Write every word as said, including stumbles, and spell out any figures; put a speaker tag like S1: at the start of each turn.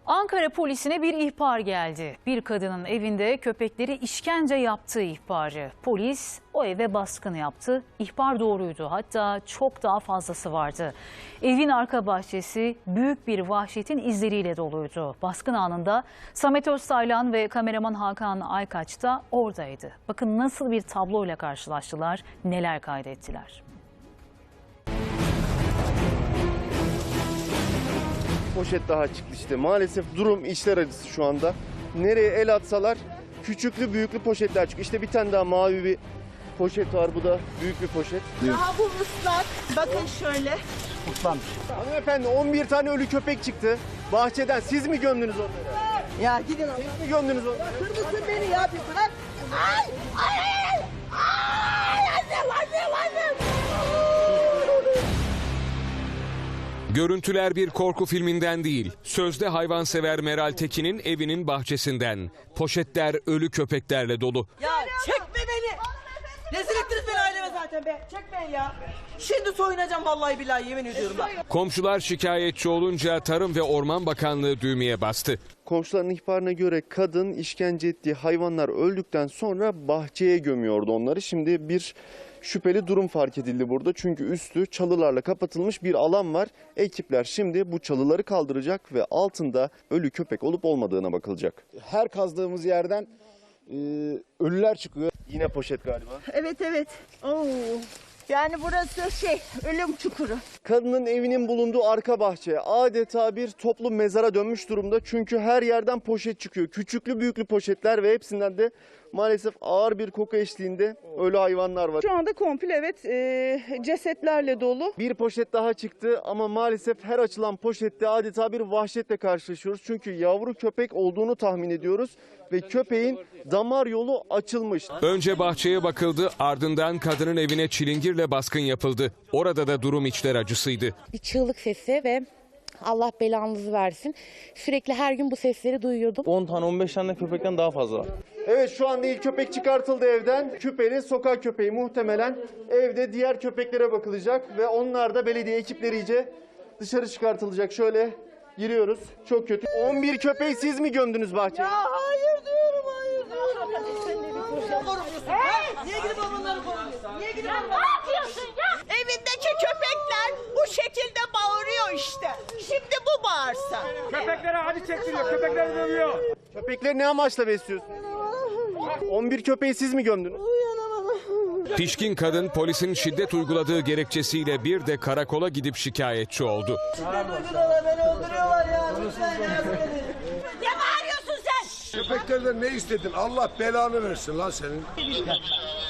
S1: Ankara polisine bir ihbar geldi. Bir kadının evinde köpekleri işkence yaptığı ihbarı. Polis o eve baskın yaptı. İhbar doğruydu. Hatta çok daha fazlası vardı. Evin arka bahçesi büyük bir vahşetin izleriyle doluydu. Baskın anında Samet Öztaylan ve kameraman Hakan Aykaç da oradaydı. Bakın nasıl bir tabloyla karşılaştılar, neler kaydettiler.
S2: Poşet daha çıktı işte. Maalesef durum içler acısı şu anda. Nereye el atsalar küçüklü büyüklü poşetler çıkıyor. İşte bir tane daha mavi bir poşet var. Bu da büyük bir poşet.
S3: Daha bu ıslak. Bakın şöyle.
S2: Kutlanmış. Hanımefendi on bir tane ölü köpek çıktı. Bahçeden siz mi gömdünüz onları?
S3: Ya gidin Allah.
S2: Siz mi gömdünüz onları?
S3: Kırmızı beni ya bir bırak. Ay! Ay! Ay! Ay! Annem! Annem! Annem!
S4: Görüntüler bir korku filminden değil, sözde hayvansever Meral Tekin'in evinin bahçesinden. Poşetler ölü köpeklerle dolu.
S3: Ya çekme beni! Rezil ettiniz beni aileme zaten be. Çekmeyin ya. Şimdi soyunacağım vallahi billahi yemin ediyorum bak.
S4: Komşular şikayetçi olunca Tarım ve Orman Bakanlığı düğmeye bastı.
S2: Komşuların ihbarına göre kadın işkence ettiği hayvanlar öldükten sonra bahçeye gömüyordu onları. Şimdi bir şüpheli durum fark edildi burada. Çünkü üstü çalılarla kapatılmış bir alan var. Ekipler şimdi bu çalıları kaldıracak ve altında ölü köpek olup olmadığına bakılacak.
S5: Her kazdığımız yerden e, ölüler çıkıyor.
S2: Yine poşet galiba.
S3: Evet evet. Oo. Yani burası şey ölüm çukuru.
S2: Kadının evinin bulunduğu arka bahçe adeta bir toplu mezara dönmüş durumda. Çünkü her yerden poşet çıkıyor. Küçüklü büyüklü poşetler ve hepsinden de maalesef ağır bir koku eşliğinde ölü hayvanlar var.
S6: Şu anda komple evet e, cesetlerle dolu.
S2: Bir poşet daha çıktı ama maalesef her açılan poşette adeta bir vahşetle karşılaşıyoruz. Çünkü yavru köpek olduğunu tahmin ediyoruz ve köpeğin damar yolu açılmış.
S4: Önce bahçeye bakıldı, ardından kadının evine çilingirle baskın yapıldı. Orada da durum içler acısıydı.
S7: Bir çığlık sesi ve Allah belanızı versin. Sürekli her gün bu sesleri duyuyordum.
S8: on tane on beş tane köpekten daha fazla var.
S2: Evet, şu anda ilk köpek çıkartıldı evden. Küpeli sokak köpeği, muhtemelen evde diğer köpeklere bakılacak ve onlar da belediye ekipleriyle dışarı çıkartılacak. Şöyle giriyoruz. Çok kötü. on bir köpeği siz mi gömdünüz bahçeye?
S3: Ya hayır diyorum hayır diyorum. Sen de bir poşet koruyorsun. Hey! Niye gidip onları koruyorsun? Niye gidip onları
S9: Ne yapıyorsun ya?
S3: Evindeki köpekler bu şekilde bağırıyor işte. Şimdi bu bağırsa.
S10: Köpeklere acı çektiriyor, köpekleri dövüyor.
S2: Köpekleri ne amaçla besliyorsunuz? on bir köpeği siz mi gömdünüz?
S4: Pişkin kadın polisin şiddet uyguladığı gerekçesiyle bir de karakola gidip şikayetçi oldu.
S3: Şiddet uyguluyorlar, beni öldürüyorlar ya. Lütfen yardım edin.
S9: Ne bağırıyorsun sen?
S5: Köpeklerden ne istedin? Allah belanı versin lan senin.